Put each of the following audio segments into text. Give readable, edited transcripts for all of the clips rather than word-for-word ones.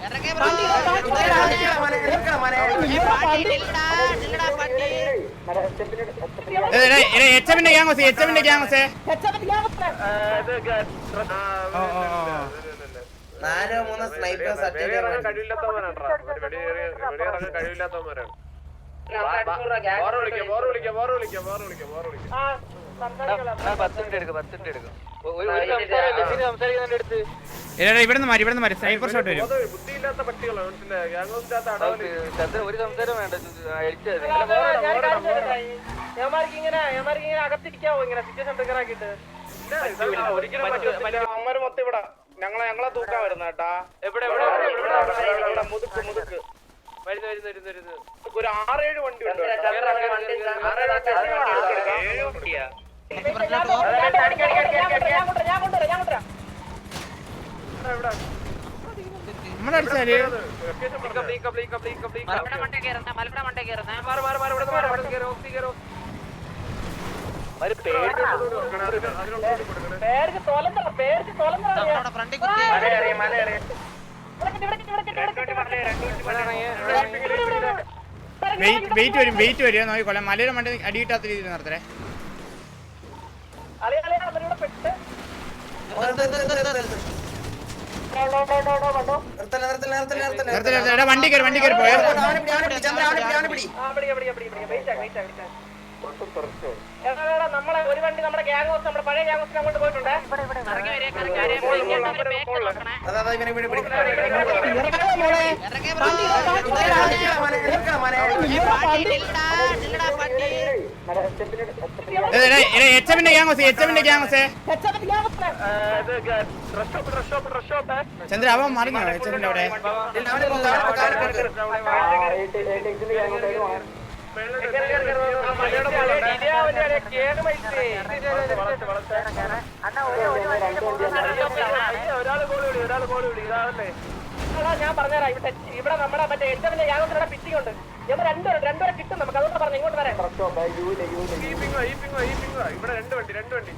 നാലോ മൂന്നോ സ്നൈപ്പേഴ്സ് കഴിവില്ലാത്തവന്മാരാണ്. ഇവിടുന്ന് മാറി സ്നൈപ്പർ ഷോട്ട് വരും. ബുദ്ധിയില്ലാത്ത പട്ടികളാണ് ഒരു സംസാരം വേണ്ട. അകത്തിരിക്കാവോ ഇങ്ങനെ സിറ്റുവേഷൻ ട്രിഗർ ആക്കിയിട്ട്? അമ്മര് മൊത്തം ഇവിടെ ഞങ്ങളെ തൂക്കാൻ വരുന്ന കേട്ടാ. എവിടെ മുതുക്ക് വരുന്നു ഒരു 6-7 വണ്ടി ഉണ്ട്. നമ്മളടിച്ചാല് വെയിറ്റ് വരും നോക്കിക്കൊള്ളാം. മലയുടെ മണ്ട അടിയിട്ടാത്ത രീതിയിൽ നടത്തേ. വണ്ടി കയറി പോയോ? നമ്മളെ ഒരു വണ്ടി നമ്മുടെ ഗ്യാങ് ഹൗസ്, നമ്മുടെ പഴയ ഗ്യാങ് ഹൗസിന് അങ്ങോട്ട് പോയിട്ടുണ്ട്. ചന്ദ്ര അവൻ മറിഞ്ഞോ എച്ചപ്പിന്റെ അവിടെ? ഞാൻ പറഞ്ഞുതരാം. ഇവിടെ നമ്മുടെ മറ്റേ എച്ചപ്പിന്റെ ഗ്യാങ് പിച്ചിങ് ഉണ്ട്. രണ്ടുപേരെ കിട്ടും നമുക്ക്. അതുകൊണ്ട് പറഞ്ഞു ഇങ്ങോട്ട് വരാം. ഇവിടെ രണ്ട് വണ്ടി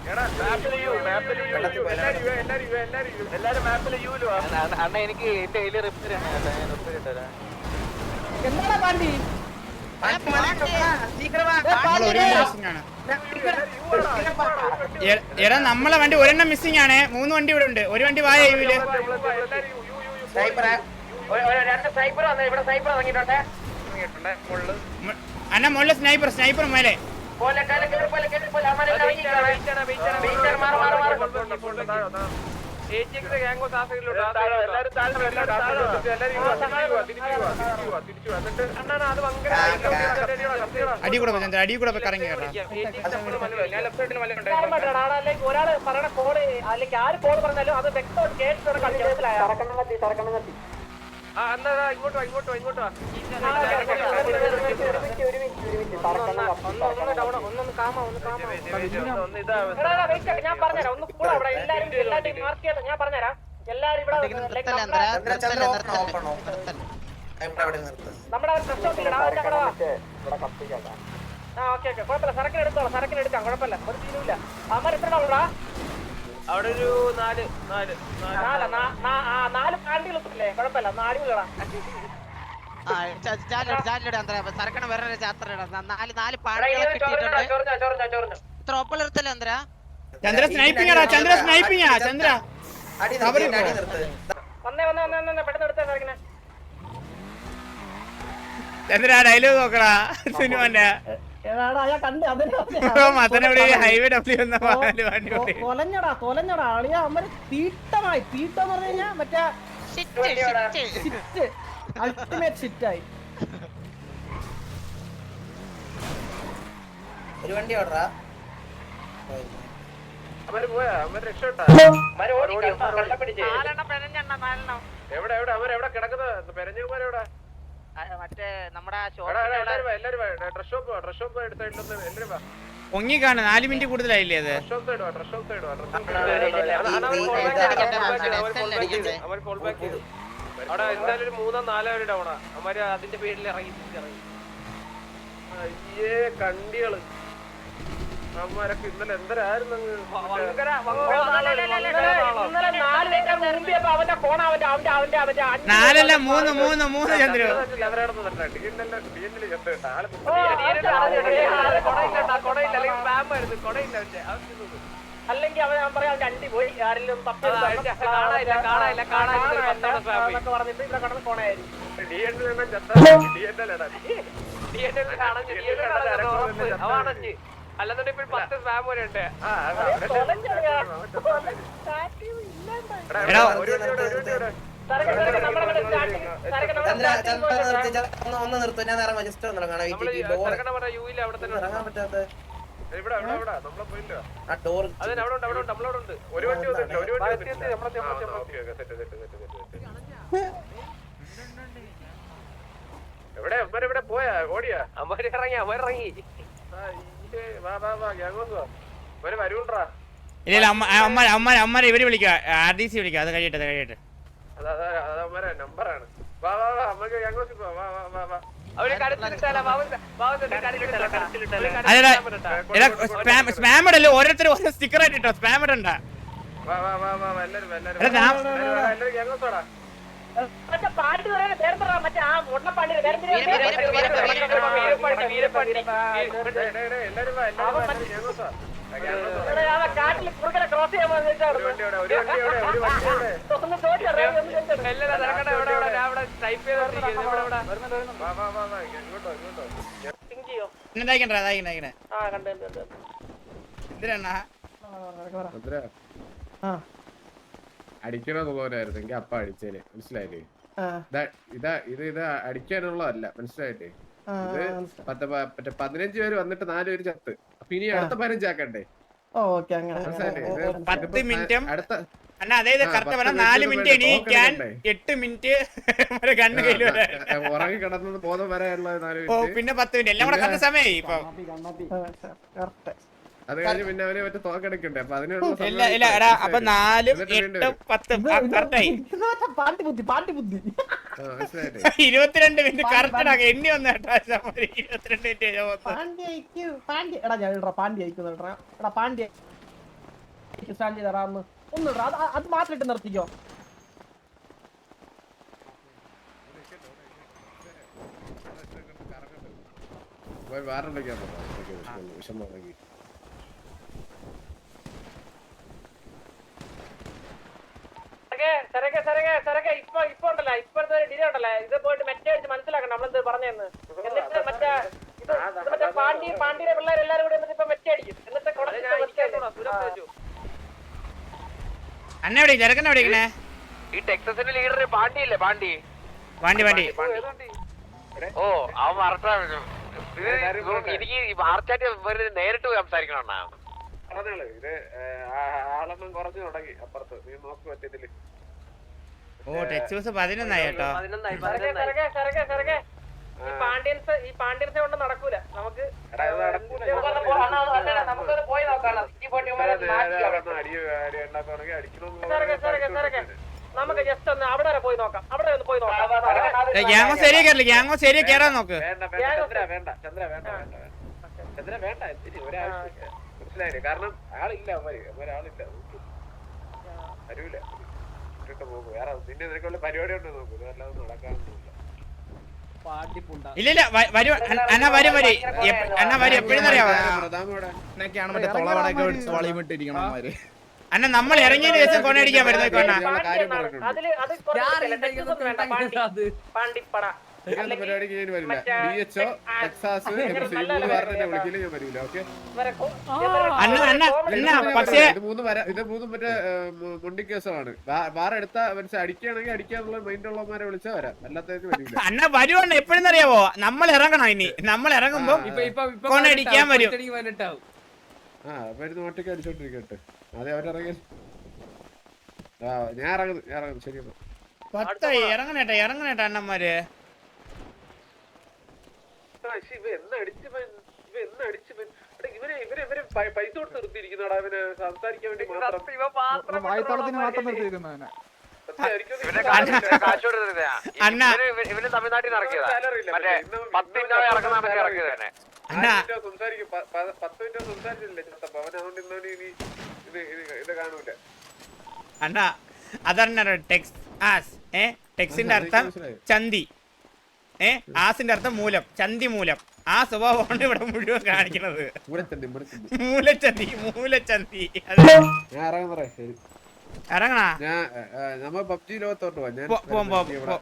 എല്ലാരും മാപ്പില് യൂലോ. അണ്ണ എനിക്ക് എന്റെ കയ്യില് റിപ്പയർ ആണ്. എന്താ വണ്ടി എടാ നമ്മളെ വണ്ടി ഒരെണ്ണം മിസ്സിംഗ് ആണ്. 3 വണ്ടി ഇവിടെ ഉണ്ട്. ഒരു വണ്ടി വായ അണ്ണ മുകളിൽ സ്നൈപ്പർ മേലെ. അടി കൂടെ കറങ്ങി കേട്ടോ. ഒരാള് പറയണ കോള് അല്ലെങ്കിൽ ആര് കോള് പറഞ്ഞാലും അത് വ്യക്തമായിട്ട് കേട്ടിട്ട് കളിച്ചാൽ ഞാൻ പറഞ്ഞുതരാം. ഒന്ന് കൂടെ അവിടെ എല്ലാരും മാർക്ക് ചെയ്ത് ഞാൻ പറഞ്ഞുതരാം. എല്ലാരും ഇവിടെ നമ്മുടെ കുഴപ്പമില്ല. സരക്കിന് എടുക്കാം കുഴപ്പമില്ല. ഒരു തീരുമില്ല. അമ്മ എത്ര ഉള്ളടാ? അവിടെ ഒരു 4 പാണ്ടികളൊക്കെ കുഴപ്പമില്ല. 4 കളാ. ചന്ദ്ര സ്നൈപ്പിംഗ് ചന്ദ്ര ചന്ദ്ര ഡയലോഗ് നോക്കടാ സിനിമന്റെ. ഹൈവേ തൊലഞ്ഞടാ അളിയാ. അമ്മര് തീട്ടമായി. തീട്ടെന്ന് പറഞ്ഞു കഴിഞ്ഞാ മറ്റേ അൾട്ടിമേറ്റ് ഷിറ്റായി. ഒരു വണ്ടി ഓടറാ. അവര് പോയാ അവര് രക്ഷപ്പെട്ടാ. എവിടെ കിടക്കുന്നത്? പെരഞ്ഞുമാരെവിടെ? മറ്റേ നമ്മുടെ ഡ്രസ് ഷോപ്പ് എടുത്തിട്ടൊന്ന് എല്ലാരും പൊങ്ങിക്കാണ്. 4 മിനിറ്റ് കൂടുതലായില്ലേ അത്? അവിടെ എന്തായാലും ഒരു 3-4 ഡൗണാ. അവന്മാര് അതിന്റെ പേരിൽ ഇറങ്ങി. അയ്യേ കണ്ടികള് അമ്മമാരൊക്കെ ഇന്നലെ എന്തരായിരുന്നു ഇന്നലെ 4 ലക്ഷം മുമ്പിയപ്പോ അവന്റെ ഫോൺ അവന്റെ 4 3 ചന്ദ്രു അല്ലെങ്കിൽ അവൻ പറയാം അവന്റെ അണ്ടി പോയി ആരെങ്കിലും പറഞ്ഞിട്ട് ഇവിടെ കടന്ന് ഫോണായിരുന്നു അല്ലെന്നുണ്ടെങ്കിൽ 10 സ്പാം വരെ ഉണ്ട് ഒന്ന് നിർത്തും ഞാൻ ഇറങ്ങാം ജസ്റ്റ് ഒന്ന് ഇറങ്ങാം യൂയില് അവിടെ തന്നെ ഇവിടെ നമ്മളെ പോയില്ല അതിന് അവിടെ ഉണ്ട് ഒരു വണ്ടി വന്നിട്ടില്ല ഒരു വണ്ടി എവിടെ അമ്മരെവിടെ പോയാ ഓടിയാ അമ്മരിറങ്ങി വരൂണ്ടാ ഇല്ല അമ്മ ഇവര് വിളിക്കുക RDC വിളിക്കുക അത് കഴിയട്ടെ അമ്മരെ നമ്പറാണ് വാ അമ്മക്ക് ഞങ്ങൾ സ്പാം ഇടല്ലോ ഓരോരുത്തരും ഓരോ സ്റ്റിക്കർ ആയിട്ട് ഇട്ടോ സ്പാം ഇടണ്ട പാട്ട് മറ്റേ ആ മുട്ടപ്പാണ്ടി കാട്ടിൽ കുറുക്കനെ ക്രോസ് ചെയ്യാൻ അടിക്കണമെന്നുള്ളവരായിരുന്നെങ്കിൽ അപ്പ അടിച്ചേനെ മനസ്സിലായില്ലേ ഇത് അടിക്കാനുള്ളതല്ല മനസ്സിലായില്ലേ ഇത് മറ്റേ 15 പേര് വന്നിട്ട് 4 പേര് ചത്ത് അപ്പൊ ഇനി അടുത്ത 15 ആക്കണ്ടേ അടുത്ത അതായത് കറക്റ്റ് പറഞ്ഞാൽ 4 മിനിറ്റ് എണീക്കാൻ 8 മിനിറ്റ് കണ്ണ് കയ്യിൽ ഉറങ്ങി കിടന്നത് ബോധം വരെയുള്ള 4 പിന്നെ 10 മിനിറ്റ് എല്ലാം കൂടെ കറക്റ്റ് സമയമായി ഇപ്പൊ അത് കഴിഞ്ഞ് പിന്നെ അവര് മറ്റേ തോക്കെടുക്കണ്ടേ അപ്പൊ അതിനുള്ള അപ്പൊ 4 8 10 കറക്റ്റായി 22 മിനിറ്റ് കറക്റ്റ് എണ്ണി വന്ന 22 മിനിറ്റ് ഒന്നിടാ അത് മാത്രം നിർത്തിക്കോ വേറെ വിഷമം ഇപ്പൊ ഉണ്ടല്ലോ ഇപ്പോഴത്തെ ഡിലേ ഉണ്ടല്ലോ ഇത് പോയിട്ട് മെറ്റേ അടിച്ച് മനസ്സിലാക്കണം നമ്മളെന്ത് പറഞ്ഞെന്ന് എന്നിട്ട് മറ്റേ പാണ്ടിയുടെ പിള്ളേർ എല്ലാരും കൂടി എന്നിട്ട് ഇപ്പൊ മെറ്റേ അടിക്കും എന്നിട്ട് അന്ന എവിടെ ചെറുക്കൻ എവിടെ ഈ ടെക്സസിന്റെ ലീഡർ പാണ്ടിയില്ലേ പാണ്ടി ഓ അവൻ മറട്ടാണ് എനിക്ക് മാർച്ചാറ്റ് നേരിട്ട് സംസാരിക്കണം ഇത് ആളൊന്നും കുറഞ്ഞു തുടങ്ങി അപ്പുറത്ത് നീ നോക്കി പറ്റത്തില്ല ഓ ടെക്സസ് 11 കേട്ടോ ഈ പാണ്ഡ്യൻസ് കൊണ്ട് നടക്കൂല നമുക്ക് പോയി നോക്കാം നമുക്ക് ജസ്റ്റ് ഒന്ന് അവിടെ വരെ പോയി നോക്കാം ഗ്യാങ്ങോ ശരിയാ കയറില്ല ഗ്യാങ്ങോ ശരിയാ കയറാൻ നോക്ക് ചന്ദ്ര വേണ്ട മനസ്സിലായില്ലേ കാരണം ആളില്ല ആളില്ല വരൂല പോകും വേറെ നിന്റെ നിനക്കുള്ള പരിപാടി ഉണ്ട് നോക്കൂ അല്ലാതെ നടക്കാനൊന്നുമില്ല ഇല്ല വരും അണ്ണ വരും എപ്പോഴും അറിയാവോ അണ്ണ നമ്മൾ ഇറങ്ങിയതിന് ശേഷം കൊണ്ടടിക്കാൻ വരുന്നത് പാണ്ടിപ്പട പരിപാടിക്ക് ഞാൻ വരില്ല DHO ടെക്സാസ് വിളിക്കില്ല ഞാൻ വരില്ല ഓക്കെ പക്ഷേ ഇത് മൂന്നും മറ്റേ മുണ്ടി കേസുകളാണ് വേറെടുത്ത മനസ്സിൽ അടിക്കുകയാണെങ്കിൽ അടിക്കാനുള്ള മൈൻഡ് ഉള്ളവന്മാരെ വിളിച്ചാൽ വരാം അല്ലാത്തവർക്ക് വരില്ല അണ്ണ വരുവാണ് എപ്പോഴും അറിയാവോ നമ്മൾ ഇറങ്ങണം ഇനി നമ്മൾ ഇറങ്ങുമ്പോ കൊണ്ടടിക്കാൻ വരും വരുന്ന ഒറ്റയ്ക്ക് അടിച്ചോണ്ടിരിക്കട്ടെ അതെ അവരിറങ്ങി ഞാൻ ഇറങ്ങുന്നു ശരി ഇറങ്ങണേട്ടാ അണ്ണന്മാര് ഇവരെ പൈസ കൊടുത്ത് നിർത്തിയിരിക്കുന്നടാ ഇവന് സംസാരിക്കാൻ വേണ്ടി അണ്ണ ഇവന് തമിഴ്നാട്ടിൽ നിന്ന് ഇറക്കിയതാ മറ്റേ 10 ഇറക്കുന്ന ഇറക്കിയത് തന്നെ അണ്ണാ സംസാരിക്കും 10 മിനിറ്റ് സംസാരിച്ചില്ലേ ചത്തപ്പ അവൻ അതുകൊണ്ട് ഇന്നോട് ഇനി ഇത് കാണൂല. അണ്ണാ അതറിഞ്ഞ ടെക്സ് ആസ് ടെക്സിന്റെ അർത്ഥം ചന്തി ആസിന്റെ അർത്ഥം മൂലം ചന്തി മൂലം ആ സ്വഭാവമാണ് ഇവിടെ മുഴുവൻ കാണിക്കുന്നത്. മൂലച്ചന്തി മൂലച്ചന്തി ഞാൻ ഇറങ്ങണ ഇറങ്ങണ ഞാൻ നമ്മ പബ്ജി ലോകത്തോട്ട് പോവാം.